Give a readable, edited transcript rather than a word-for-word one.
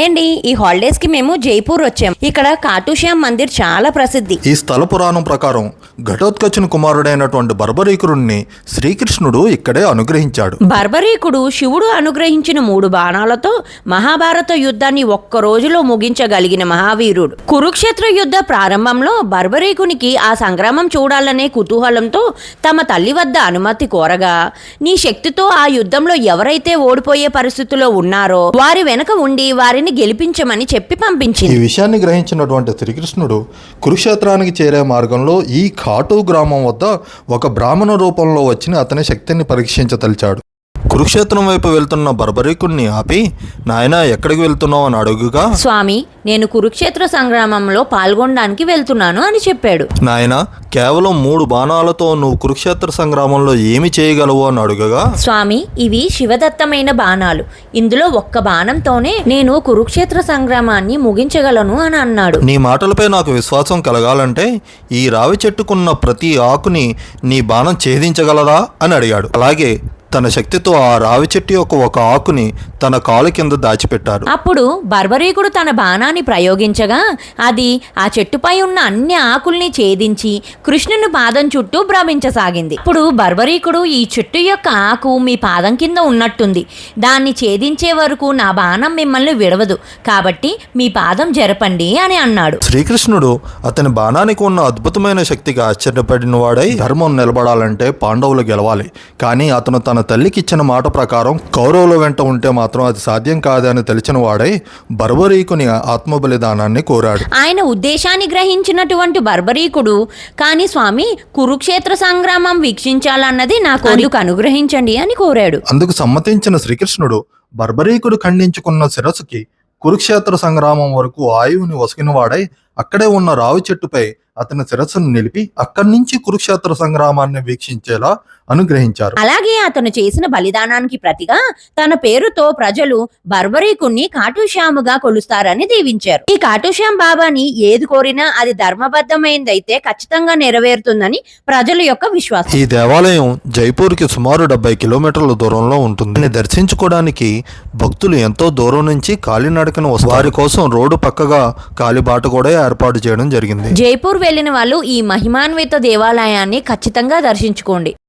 Hi అండి, ఈ holidays కి మేము జైపూర్ వచ్చాం. ఇక్కడ ఖాటూ శ్యామ్ మందిర్ చాలా ప్రసిద్ధి. ఈ స్థల పురాణం ప్రకారం ఘటోత్కచుని కుమారుడైనటువంటి బర్బరీకురుణ్ణి శ్రీకృష్ణుడు ఇక్కడే అనుగ్రహించాడు. బర్బరీకుడు శివుడు అనుగ్రహించిన 3 బాణాలతో మహాభారత యుద్ధాన్ని ఒక్క రోజులో ముగించగలిగిన మహావీరుడు. కురుక్షేత్ర యుద్ధ ప్రారంభంలో బర్బరీకునికి ఆ సంగ్రామం చూడాలనే కుతూహలంతో తమ తల్లి వద్ద అనుమతి కోరగా, నీ శక్తితో ఆ యుద్ధంలో ఎవరైతే ఓడిపోయే పరిస్థితిలో ఉన్నారో వారి వెనక ఉండి వారిని గెలిపించమని చెప్పి పంపించింది. ఈ విషయాన్ని గ్రహించినటువంటి శ్రీకృష్ణుడు కురుక్షేత్రానికి చేరే మార్గంలో ఈ ఖాటూ గ్రామం వద్ద ఒక బ్రాహ్మణ రూపంలో వచ్చి అతని శక్తిని పరీక్షించదలిచాడు. కురుక్షేత్రం వైపు వెళ్తున్న బర్బరీకుణ్ణి ఆపి, నాయనా ఎక్కడికి వెళ్తున్నావు అని అడుగుగా, స్వామి, నేను కురుక్షేత్ర సంగ్రామంలో పాల్గొనడానికి వెళ్తున్నాను అని చెప్పాడు. నాయనా కేవలం 3 బాణాలతో నువ్వు కురుక్షేత్ర సంగ్రామంలో ఏమి చేయగలవు అని అడుగగా, స్వామి, ఇవి శివదత్తమైన బాణాలు. ఇందులో ఒక్క బాణంతోనే నేను కురుక్షేత్ర సంగ్రామాన్ని ముగించగలను అని అన్నాడు. నీ మాటలపై నాకు విశ్వాసం కలగాలంటే ఈ రావి చెట్టుకున్న ప్రతి ఆకుని నీ బాణం ఛేదించగలదా అని అడిగాడు. అలాగే తన శక్తితో ఆ రావి చెట్టు యొక్క ఒక ఆకుని తన కాలు కింద దాచిపెట్టారు. అప్పుడు బర్బరీకుడు తన బాణాన్ని ప్రయోగించగా అది ఆ చెట్టుపై ఉన్న అన్ని ఆకుల్ని ఛేదించి కృష్ణుని పాదం చుట్టూ భ్రమించసాగింది. ఇప్పుడు బర్బరీకుడు, ఈ చెట్టు యొక్క ఆకు మీ పాదం కింద ఉన్నట్టుంది, దాన్ని ఛేదించే వరకు నా బాణం మిమ్మల్ని విడవదు, కాబట్టి మీ పాదం జరపండి అని అన్నాడు. శ్రీకృష్ణుడు అతని బాణానికి ఉన్న అద్భుతమైన శక్తికి ఆశ్చర్యపడిన వాడై, ధర్మం నిలబడాలంటే పాండవులు గెలవాలి, కానీ అతను తన తల్లికి ఇచ్చిన మాట ప్రకారం కౌరవుల వెంట ఉంటే మాత్రం అది సాధ్యం కాదని తెలిసిన వాడై బర్బరీకుని ఆత్మ బలిదానాన్ని కోరాడు. ఆయన ఉద్దేశాన్ని గ్రహించినటువంటి బర్బరీకుడు, కానీ స్వామి, కురుక్షేత్ర సంగ్రామం వీక్షించాలన్నది నాకు అందుకు అనుగ్రహించండి అని కోరాడు. అందుకు సమ్మతించిన శ్రీకృష్ణుడు బర్బరీకుడు ఖండించుకున్న శిరస్సుకి కురుక్షేత్ర సంగ్రామం వరకు ఆయువుని వసిగిన వాడై అక్కడే ఉన్న రావి చెట్టుపై అతని శిరస్సును నిలిపి అక్కడి నుంచి కురుక్షేత్ర సంగ్రామాన్ని వీక్షించేలా అనుగ్రహించారు. అలాగే అతను చేసిన బలిదానానికి ప్రతిగా తన పేరుతో ప్రజలు బర్బరీకుణ్ణి ఖాటూ శ్యాముగా కొలుస్తారని దీవించారు. ఈ ఖాటూ శ్యామ్ బాబాని ఏది కోరినా అది ధర్మబద్ధమైనదైతే ఖచ్చితంగా నెరవేరుతుందని ప్రజల యొక్క విశ్వాసం. ఈ దేవాలయం జైపూర్కి సుమారు 70 కిలోమీటర్ల దూరంలో ఉంటుంది. దీన్ని దర్శించుకోవడానికి భక్తులు ఎంతో దూరం నుంచి కాలినడకన వస్తారు. వారి కోసం రోడ్డు పక్కగా కాలిబాట కూడా ఏర్పాటు చేయడం జరిగింది. జైపూర్ వెళ్లిన వాళ్ళు ఈ మహిమాన్విత దేవాలయాన్ని ఖచ్చితంగా దర్శించుకోండి.